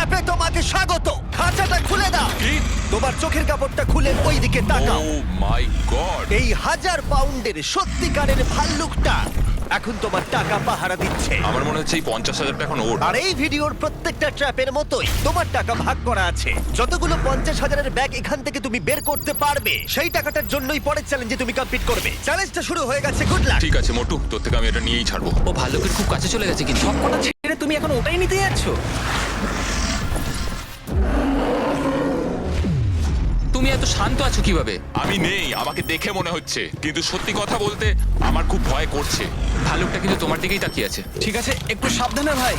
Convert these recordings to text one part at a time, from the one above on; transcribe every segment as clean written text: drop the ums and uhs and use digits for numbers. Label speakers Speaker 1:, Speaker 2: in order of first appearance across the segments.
Speaker 1: ট্র্যাপে তোমাকে স্বাগত। খাঁচাটা খুলে দাও।
Speaker 2: কি?
Speaker 1: তোমার চোখের কাপড়টা খুলে ওই দিকে তাকাও।
Speaker 2: Oh my god!
Speaker 1: এই 1000 পাউন্ডের সত্যিকারের ভাল্লুকটা এখন তোমার টাকা পাহারা দিচ্ছে।
Speaker 2: আমার মনে হচ্ছে এই 50,000 টাকা এখন ওর।
Speaker 1: আর এই ভিডিওর প্রত্যেকটা ট্র্যাপের মতোই তোমার টাকা ভাগ করা আছে। যতগুলো 50,000-এর ব্যাগ এখান থেকে তুমি বের করতে পারবে, সেই টাকাটার জন্যই পরের চ্যালেঞ্জে তুমি কমপ্লিট করবে। চ্যালেঞ্জটা শুরু হয়ে গেছে, গুড লাক।
Speaker 2: ঠিক আছে মোটু, তোর থেকে আমি এটা নিয়েই ছাড়বো।
Speaker 3: ও ভাল্লুকের খুব কাছে চলে গেছে কিন্তু
Speaker 4: সবকটা ছেড়ে তুমি এখন ওটাই নিতে যাচ্ছ?
Speaker 3: তুমি এত শান্ত আছো কিভাবে?
Speaker 2: আমি নেই, আমাকে দেখে মনে হচ্ছে, কিন্তু সত্যি কথা বলতে আমার খুব ভয় করছে।
Speaker 3: ভাল্লুকটা কিন্তু তোমার দিকেই তাকিয়ে আছে।
Speaker 4: ঠিক আছে, একটু সাবধানে ভাই।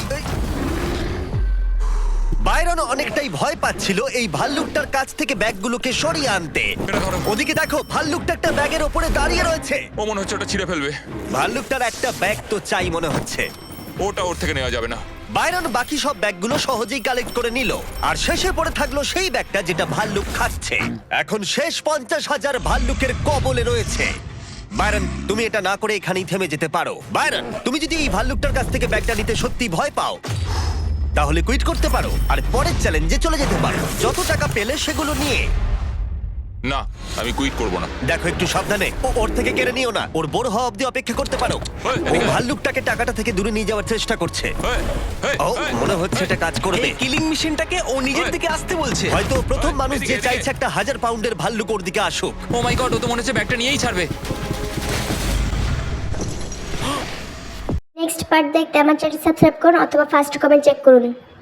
Speaker 1: বাইরন অনেকটাই ভয় পাচ্ছিল এই ভাল্লুকটার কাছ থেকে ব্যাগগুলোকে সরিয়ে আনতে।
Speaker 2: এটা ধরো।
Speaker 1: ওদিকে দেখো, ভাল্লুকটা একটা ব্যাগের ওপরে দাঁড়িয়ে রয়েছে।
Speaker 2: ও মনে হচ্ছে ওটা ছিঁড়ে ফেলবে।
Speaker 1: ভাল্লুকটার একটা ব্যাগ তো চাই মনে হচ্ছে।
Speaker 2: ওটা ওর থেকে নেওয়া যাবে না।
Speaker 1: বাইরন বাকি সব ব্যাগগুলো সহজেই কালেক্ট করে নিল, আর শেষে পড়ে থাকলো সেই ব্যাগটা যেটা ভাল্লুক খাচ্ছে। এখন শেষ 50,000 ভাল্লুকের কবলে রয়েছে। বাইরন, তুমি এটা না করে এখানেই থেমে যেতে পারো। বাইরন, তুমি যদি এই ভাল্লুকটার কাছ থেকে ব্যাগটা নিতে সত্যি ভয় পাও, তাহলে কুইট করতে পারো আর পরের চ্যালেঞ্জে চলে যেতে পারো। যত টাকা পেলে সেগুলো নিয়ে।
Speaker 2: না, আমি কুইট করব না।
Speaker 1: দেখো, একটু সাবধানে, ওর থেকে কেড়ে নিও না। ওর বড় হওয়া অব্দি অপেক্ষা করতে পারো।
Speaker 2: ওই,
Speaker 1: ও
Speaker 2: এদিকে আয়।
Speaker 1: ভাল্লুকটাকে টাকাটা থেকে দূরে নিয়ে যাওয়ার চেষ্টা করছে।
Speaker 2: এই, এই,
Speaker 1: ও,
Speaker 2: এই,
Speaker 1: মনে হচ্ছে এটা কাজ করবে।
Speaker 4: এই কিলিং মেশিনটাকে ও নিজের
Speaker 2: ওই।
Speaker 4: দিকে আসতে বলছে।
Speaker 1: হয়তো ও প্রথম
Speaker 2: ওই,
Speaker 1: মানুষ
Speaker 2: এদিকে,
Speaker 1: যে
Speaker 2: এদিকে।
Speaker 1: চাইছে একটা 1000 পাউন্ডের ভাল্লুক ওর দিকে আসুক।
Speaker 3: ও মাই গড, ও তো মনে হচ্ছে ব্যাগটা নিয়েই ছাড়বে।
Speaker 5: নেক্সট পার্ট দেখতে আমার চ্যানেল সাবস্ক্রাইব করুন অথবা ফার্স্ট কমেন্ট চেক করুন।